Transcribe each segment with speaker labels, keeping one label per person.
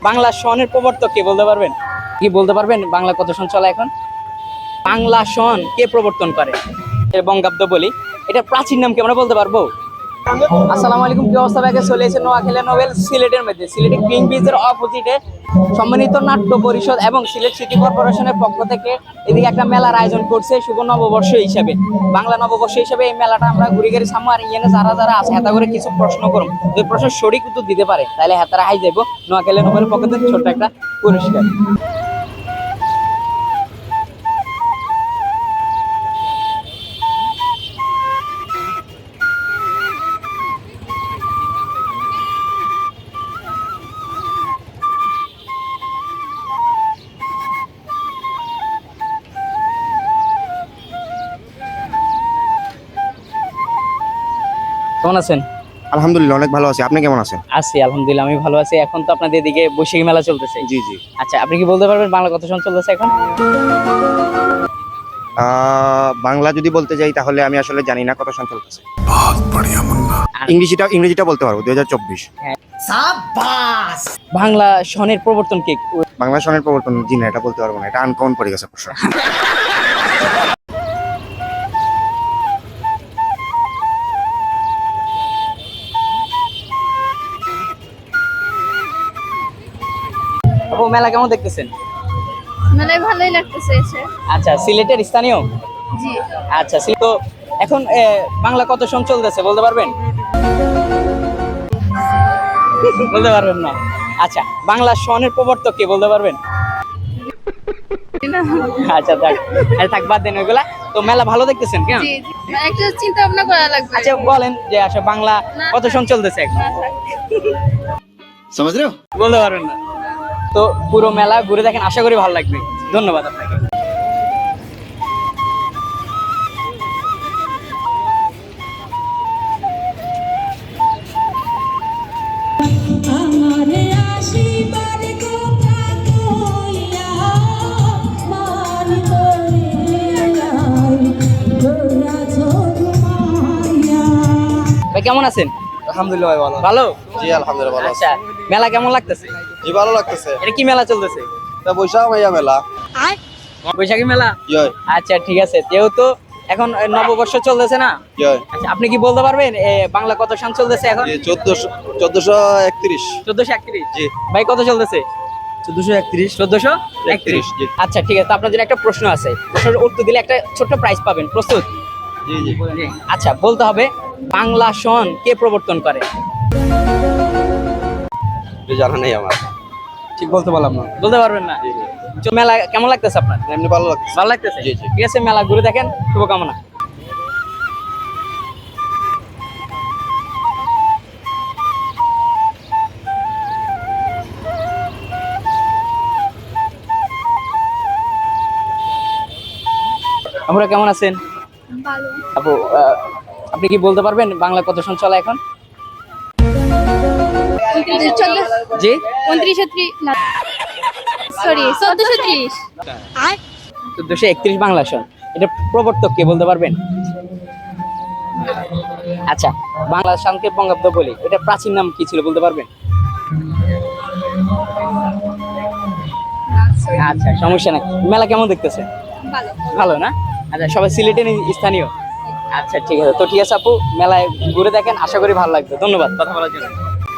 Speaker 1: বাংলা সনের প্রবর্তক কে বলতে পারবেন? কি বলতে পারবেন বাংলা কত সন চলে এখন? বাংলা সন কে প্রবর্তন করে? বঙ্গাব্দ বলি, এটা প্রাচীন নাম কি আমরা বলতে পারবো? আসসালামু আলাইকুম, কি অবস্থা? ব্যাগে চলে এসেছে নোয়াখালী নোবেল সিলেটের মধ্যে, সিলেটে কিং বিচের অপোজিটে সম্মানিত নাট্য পরিষদ এবং সিলেট সিটি কর্পোরেশনের পক্ষ থেকে এদিকে একটা মেলার আয়োজন করছে শুভ নববর্ষ হিসাবে, বাংলা নববর্ষ হিসাবে। এই মেলাটা আমরা ঘুরে ঘুরে সামনে আর ইয়েনে যারা যারা আছে হেতা করে কিছু প্রশ্ন করুন, যদি প্রশ্ন সঠিক উত্তর দিতে পারে তাহলে হেতারা হাই যাবো নোয়াখালী নোবেলের পক্ষ থেকে ছোট্ট একটা পুরস্কার। কেমন আছেন?
Speaker 2: আলহামদুলিল্লাহ অনেক ভালো আছি। আপনি কেমন আছেন?
Speaker 1: আছি আলহামদুলিল্লাহ, আমি ভালো আছি। এখন তো আপনাদের এদিকে বৈশাখী মেলা চলতেছে।
Speaker 2: জি জি।
Speaker 1: আচ্ছা, আপনি কি বলতে পারবেন বাংলা কত সন চলতেছে এখন?
Speaker 2: বাংলা যদি বলতে যাই তাহলে আমি আসলে জানি না কত সন চলতেছে।
Speaker 1: আর
Speaker 2: ইংরেজিটা বলতে পারবো 2024।
Speaker 1: বাংলা সনের প্রবর্তন কে?
Speaker 2: বাংলা সনের প্রবর্তন জি না, এটা বলতে পারবো না, এটা আনকমন পড়ে গেছে প্রশ্ন।
Speaker 1: আপু, মেলা কেমন দেখতেছেন?
Speaker 3: মেলায় ভালোই লাগতেছে এসে।
Speaker 1: আচ্ছা, সিলেটের স্থানীয়?
Speaker 3: জি।
Speaker 1: আচ্ছা, তো এখন বাংলা কত সন চলতেছে বলতে পারবেন? বলতে পারবেন না? আচ্ছা, বাংলা সনের প্রবর্তক কে বলতে পারবেন? আচ্ছা থাক, থাক, বাদ দেন ওইগুলা। তো মেলা ভালো দেখতেছেন কেন?
Speaker 3: জি জি, একটা চিন্তা ভাবনা করা লাগবে।
Speaker 1: আচ্ছা বলেন যে আসলে বাংলা কত সন চলতেছে এখন? বলতে পারবেন না? তো পুরো মেলা ঘুরে দেখেন, আশা করি ভালো লাগবে। ধন্যবাদ আপনাকে। ভাই কেমন আছেন?
Speaker 4: আলহামদুলিল্লাহ ভাই ভালো।
Speaker 1: ভালো?
Speaker 4: জি আলহামদুলিল্লাহ ভালো আছি।
Speaker 1: আচ্ছা, মেলা কেমন লাগতেছে?
Speaker 4: জি ভালো লাগতেছে।
Speaker 1: এটা কি মেলা চলতেছে?
Speaker 4: তা বৈশাখ মাইয়া মেলা।
Speaker 1: বৈশাখী মেলা?
Speaker 4: কি হয়?
Speaker 1: আচ্ছা ঠিক আছে, যেহেতু এখন নববর্ষ চলতেছে না,
Speaker 4: কি হয়?
Speaker 1: আচ্ছা আপনি কি বলতে পারবেন বাংলা কত সন চলতেছে এখন?
Speaker 4: জি 1431।
Speaker 1: 1431?
Speaker 4: জি।
Speaker 1: ভাই কত চলতেছে?
Speaker 4: 1431।
Speaker 1: 1431?
Speaker 4: জি।
Speaker 1: আচ্ছা ঠিক আছে, তো আপনার জন্য একটা প্রশ্ন আছে, প্রশ্নের উত্তর দিলে একটা ছোট্ট প্রাইজ পাবেন। প্রস্তুত?
Speaker 4: জি জি।
Speaker 1: আচ্ছা, বলতে হবে বাংলা সন কে প্রবর্তন করে?
Speaker 4: জানা নেই আমার, ঠিক বলতে পারলাম না।
Speaker 1: বলতে পারবেন না? তো মেলা কেমন লাগতেছে আপনার?
Speaker 4: এমনি ভালো লাগছে।
Speaker 1: ভালো লাগতেছে?
Speaker 4: জি, জি।
Speaker 1: ঠিক আছে, মেলা ঘুরে দেখেন, শুভকামনা। আমরা কেমন আছেন?
Speaker 3: ভালো।
Speaker 1: আপু, আপনি কি বলতে পারবেন বাংলা কত সন চলে এখন? জি?
Speaker 3: 1430
Speaker 1: 1431 বাংলা সন, এটা প্রবর্তক কে বলতে পারবেন? আচ্ছা, বাংলা সনকে বঙ্গাব্দ বলি, এটা প্রাচীন নাম কি ছিল বলতে পারবেন? আচ্ছা সমস্যা নাই। মেলা কেমন দেখতেছে?
Speaker 3: ভালো।
Speaker 1: ভালো না? আচ্ছা, সবাই সিলেটের স্থানীয়? আচ্ছা ঠিক আছে, তো ঠিক আছে আপু, মেলায় ঘুরে দেখেন, আশা করি ভালো লাগবে। ধন্যবাদ কথা বলার জন্য।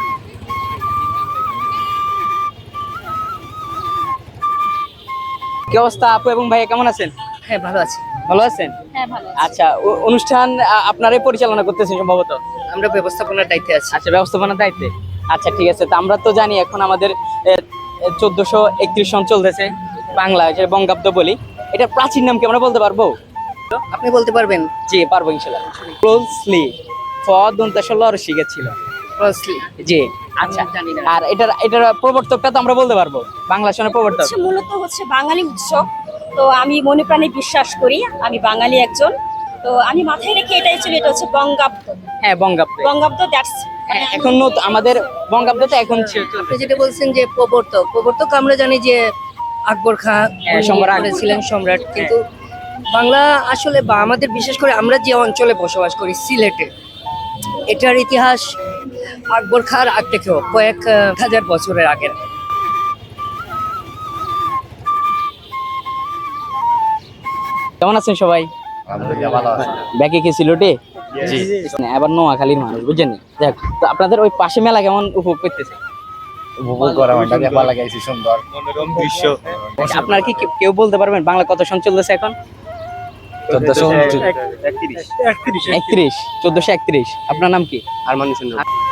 Speaker 1: কি অবস্থা আপু এবং ভাইয়া, কেমন আছেন?
Speaker 5: হ্যাঁ ভালো আছি।
Speaker 1: ভালো আছেন?
Speaker 3: হ্যাঁ ভালো।
Speaker 1: আচ্ছা, অনুষ্ঠান আপনারাই পরিচালনা করতেছেন সম্ভবত?
Speaker 5: আমরা ব্যবস্থাপনার দায়িত্বে আছি।
Speaker 1: আচ্ছা, ব্যবস্থাপনার দায়িত্বে। আচ্ছা ঠিক আছে, তো আমরা তো জানি এখন আমাদের 1431 সন চলতেছে, বাংলা যে বঙ্গাব্দ বলি, এটা প্রাচীন নাম কি আমরা বলতে পারবো?
Speaker 5: আপনি বলতে পারবেন?
Speaker 1: জি পারবো ইনশাআল্লাহ। ক্লোজলি দন্তাসল শিখেছিল।
Speaker 5: ক্লোজলি?
Speaker 1: জি। আচ্ছা,
Speaker 5: জানি না।
Speaker 1: আর এটার প্রবর্তকটা তো আমরা বলতে পারবো, বাংলা সনের প্রবর্তক?
Speaker 6: মূলত হচ্ছে বাঙালি উৎসব। তো আমি মনে প্রাণে বিশ্বাস করি আমি বাঙালি একজন। তো আমি মাথায় রেখে এটাই চলি, এটা হচ্ছে বঙ্গাব্দ।
Speaker 1: হ্যাঁ বঙ্গাব্দ।
Speaker 6: বঙ্গাব্দ দ্যাটস
Speaker 1: এখন আমাদের বঙ্গাব্দ তো এখন
Speaker 5: আপনি যেটা বলছেন যে প্রবর্তক আমরা জানি যে আকবর খান
Speaker 1: সম্রাট
Speaker 5: ছিলেন, সম্রাট। কিন্তু বাংলা আসলে বা আমাদের বিশেষ করে আমরা যে অঞ্চলে বসবাস করি সিলেটে, এটার ইতিহাস আকবর খাঁর আগ থেকেও কয়েক হাজার বছরের আগের।
Speaker 1: কেমন আছেন সবাই? ব্যাকে কি সিলেটে? না, এবার নোয়াখালীর মানুষ বুঝছেন? দেখ তো আপনাদের ওই পাশে মেলা কেমন উপভোগ করতেছে? আপনার কি কেউ বলতে পারবেন বাংলা কত সন চলতেছে এখন? 31 1431। আপনার নাম কি?
Speaker 2: আর মানুষ